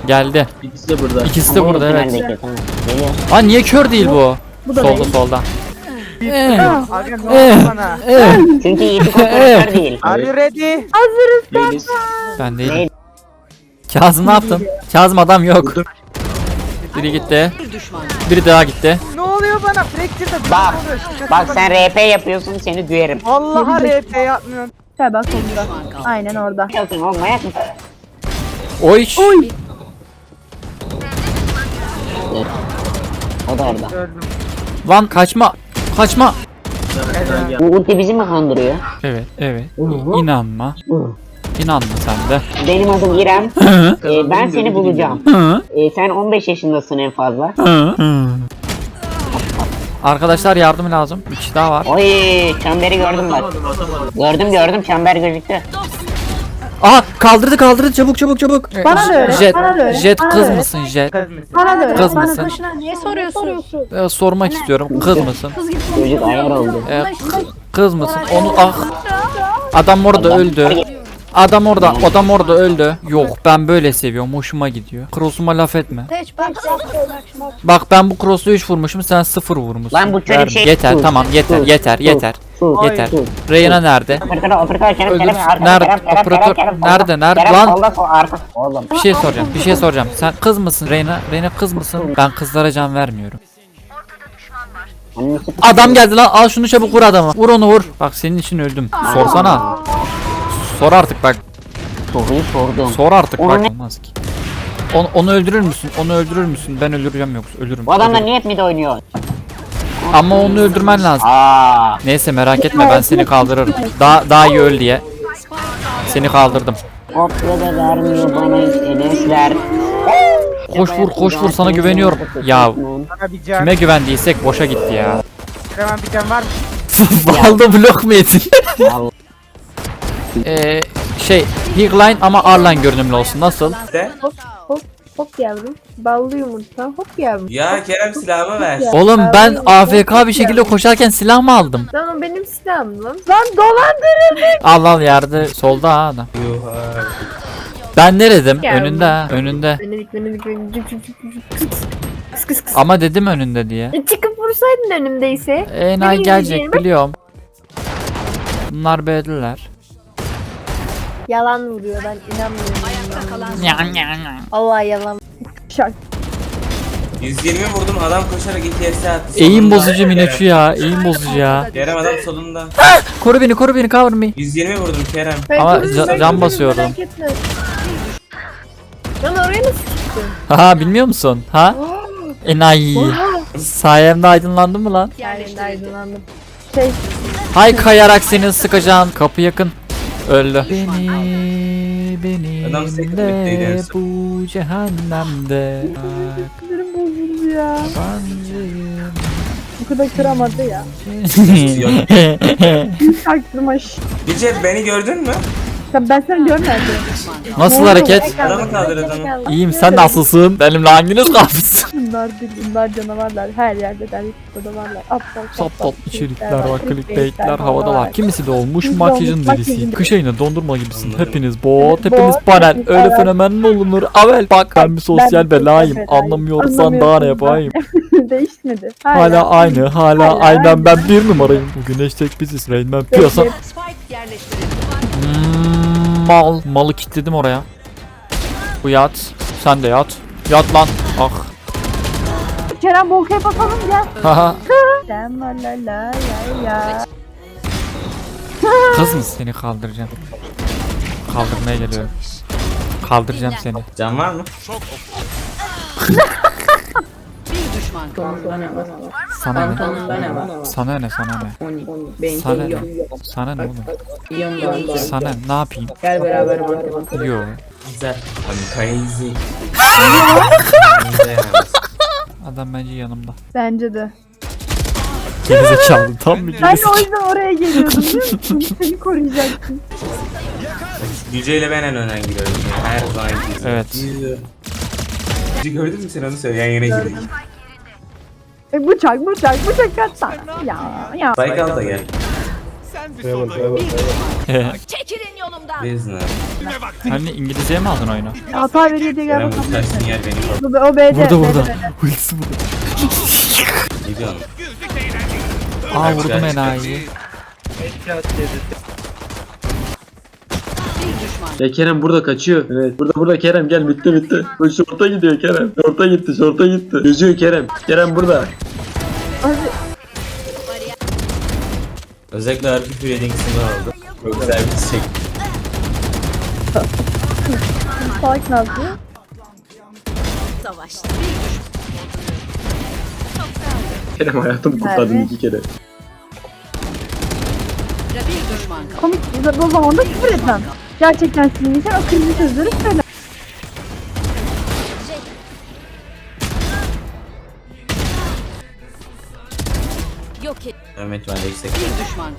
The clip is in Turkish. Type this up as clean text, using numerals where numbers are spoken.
Geldi. İkisi de burada. İkisi de burada evet. Tamam. Geliyor. Aa niye kör değil bu? Bu da Solda değil. solda. Aga ne oldu bana? Çünkü Yiğit'i kontrolör değil. Are you ready? Değiliz. Ben değilim. Kazım ne yaptın? Kazım adam yok. Biri gitti. Biri daha gitti. Ne oluyor bana? Fracture'da bir Bak, şey oluyor. Şaka bak bana. sen RP yapıyorsun seni düerim. Vallahi RP yapmıyorsun. Gel bak onda. Aynen orada. Yapıyorsun oğlum manyak mısın? Oy. O da orada. Öldüm. Lan kaçma. Kaçma. Bu ulti bizi mi kandırıyor? Evet evet. İnanma. İnanma sen de. Benim adım İrem. Ben seni bulacağım. Hı. Sen 15 yaşındasın en fazla. Arkadaşlar yardım lazım. Bir kişi daha var. Oy çemberi gördüm bak. Gördüm çember gözüktü. Aha kaldırdı çabuk. Bana da öyle, Jet, bana da öyle, Jet bana da kız öyle. mısın Jet? Kız mısın? Bana da öyle. Kız bana mısın? da- Niye soruyorsun? Sormak istiyorum. Kız mısın? Çocuk ayar oldu. Kız mısın? Onu Adam orada öldü. Adam orada öldü. Yok ben böyle seviyorum. Hoşuma gidiyor. Cross'uma laf etme. Hiç bak. Bak ben bu cross'u 3 vurmuşum sen 0 vurmuşsun. Lan bu çocuk Ver- şey- Yeter Sus, tamam yeter sus, yeter sus, yeter. sus, Yeter. sus. Reyna nerede? Operatör Kerem Öldür. Kerem arka, Nerede? Kerem, Kerem, Operatör- Kerem, solda. nerede? Kerem Lan! solda, sol arka. Oğlum. Bir şey soracağım. Sen kız mısın Reyna? Reyna kız mısın? Ben kızlara can vermiyorum. Annesi- Adam geldi lan al şunu çabuk vur adamı. Vur onu vur. Bak senin için öldüm. Sorsana. Sor artık bak. Soruyu sordum. Sor artık Onu bak. ne- Olmaz ki. Onu öldürür müsün? Onu öldürür müsün? Ben öldüreceğim yoksa ölürüm. Bu adamlar Ölürüm. niye hep mid oynuyor? Ama onu öldürmen lazım. Aa. Neyse merak etme ben seni kaldırırım. Daha iyi öl diye. Seni kaldırdım. Kopya da vermiyor bana Enesler. Koş vur sana güveniyorum. Ya Bana bir can. kime güvendiysek boşa gitti ya. Hemen bir can var mı? Valda blok mu yedin? Allah. Higline ama Arline görünümlü olsun. Nasıl? Hop yavrum. Ballı yumurta. Hop yavrum. Ya Kerem silahımı ver. Oğlum ben AFK bir şekilde koşarken silah mı aldım? Lan o benim silahım lan. Lan dolandırıldık. Al yerde solda ha adam. Ben ne dedim? Ya Önünde ha önünde. Denedik. Kıs. Ama dedim önünde diye. Çıkıp vursaydın önümdeyse. Enay Benim gelecek yiyeceğim. biliyorum. Bunlar B'diler. Yalan vuruyor ben inanmıyorum. Allah yalan. Şak. 120 vurdum adam koşarak 2 S attı. Eğim Solunda. bozucu Minachu ya. Eğim bozucu ya. Kerem adam solunda. Koru beni cover me. 120 vurdum Kerem. Ama Ben can görürüm, basıyordum. merak etme. Lan oraya nasıl çıktın? Ha bilmiyor musun? Ha? Enayi. Sayemde aydınlandın mı lan? Yerlerinde aydınlandım. Hay kayarak seni sıkacağım. Kapı yakın. Öldü. Beni Adam sekti benimle bittiydi en son. bu cehennemde. Sinirim bozuldu ya. Yabancıyım. Bu kadar kıramadı ya. Çaktırmış. Gülce beni gördün mü? Ben seni görmedim. Nasıl hareket? Adamı kaldır adamı. İyiyim sen nasılsın? Benimle hanginiz kalmışsın? Bunlar değil, bunlar canavarlar. Her yerde der, burada varlar. Aptal Saptal içerikler var, clickbaitler havada var. Kimisi de olmuş makyajın delisi. Kış ayına dondurma gibisin. Hepiniz bot, hepiniz panel. Öyle fenomen mi olunur? Avel bak ben bir sosyal belayım. Anlamıyorsan daha ne yapayım? Değişmedi. Hala aynı, hala aynen ben bir numarayım. Bugün hashtag biziz Rainman piyasa. Malı kilitledim oraya. Bu yat. Sen de yat. Yat lan. Ah. Kerem Bolka'ya bakalım gel. Haha. Sen la la la ya. Kız mı seni kaldıracağım? Kaldırmaya geliyorum. Kaldıracağım seni. Can var mı? Sana ne? Sana ne? Sana ne? Sana ne? Sana ne oğlum? Sana ne yapayım? Gel beraber bakalım. Yo. Güzel. Crazy. Adam bence yanımda. Bence de. Gerizekalı tam bir Ben de o gerizekalı. yüzden oraya geliyordum biliyor musun? Seni koruyacaktım. Gülce ile ben en önden gidiyoruz. Yani. Her zaman gidiyoruz. Evet. Gülce gördün mü sen onu söyle yan yana gidelim. Bıçak kaç tane. Ya. Baykal da gel. Çekilin yolumdan. Business. Hani İngilizceye mi aldın oyunu? Hata veriyor diye gel Kerem bakalım. bu ters sinyal beni korktu. O B'de. Burada. B'de. Ultisi burada. Ne diyorsun? Aa vurdum enayi. Ya Kerem burada kaçıyor. Evet. Burada Kerem gel bitti. Bu şorta gidiyor Kerem. Şorta gitti. Yüzüyor Kerem. Kerem burada. Özellikle harbi Fred'in kısmını aldım. Çok güzel bir çiçek. Salak ne yapıyor? Savaşta. Kerem hayatımı kurtardın Nerede? 2 kere. Bir düşman kaldı. Komik. O zaman da küfür etmem. Gerçekten sinirliysen o kırmızı sözleri söyle. Yok et. Mehmet var yüksek. Bir düşman